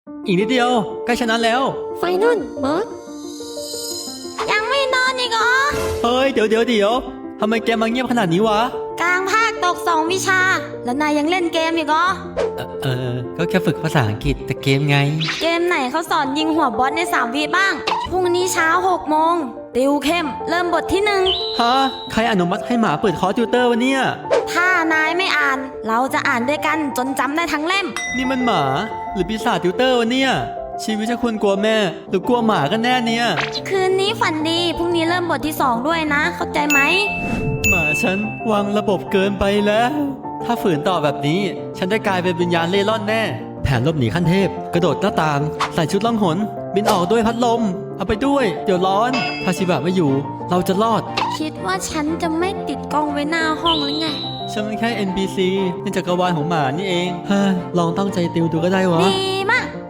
อีกนิดเดียวใกล้ชนะแล้วไฟนอลบอสยังไม่นอนอีกเหรอเฮ้ยเดี๋ยวทำไมแกมาเงียบขนาดนี้วะกลางภาคตก2 วิชา แล้วนายยังเล่นเกมอีกเหรอก็แค่ฝึกภาษาอังกฤษแต่เกมไงเกมไหนเขาสอนยิงหัวบอสใน3 วิบ้างพรุ่งนี้เช้า6 โมงติวเข้มเริ่มบทที่1 ฮะใครอนุมัติให้หมาเปิดคอร์สติวเตอร์วะเนี่ยถ้านายไม่อ่านเราจะอ่านด้วยกันจนจำได้ทั้งเล่มนี่มันหมาหรือปีศาจติวเตอร์วะเนี่ยชีวิตจะควรกลัวแม่หรือกลัวหมากันแน่เนี่ยคืนนี้ฝันดีพรุ่งนี้เริ่มบทที่2ด้วยนะเข้าใจไหมหมาฉันวางระบบเกินไปแล้ว ถ้าฝืนต่อแบบนี้ฉันได้กลายเป็นวิญญาณเล่ร่อนแน่แผนหลบหนีขั้นเทพกระโดดหน้าต่างใส่ชุดล่องหนบินออกด้วยพัดลมเอาไปด้วยเดี๋ยวร้อนถ้าชิบะไม่อยู่เราจะรอดคิดว่าฉันจะไม่ติดกล้องไว้หน้าห้องหรือไงฉันเป็นแค่ NPC ในจักรวาลของหมานี่เองเฮ้ยลองตั้งใจติวดูก็ได้วะดี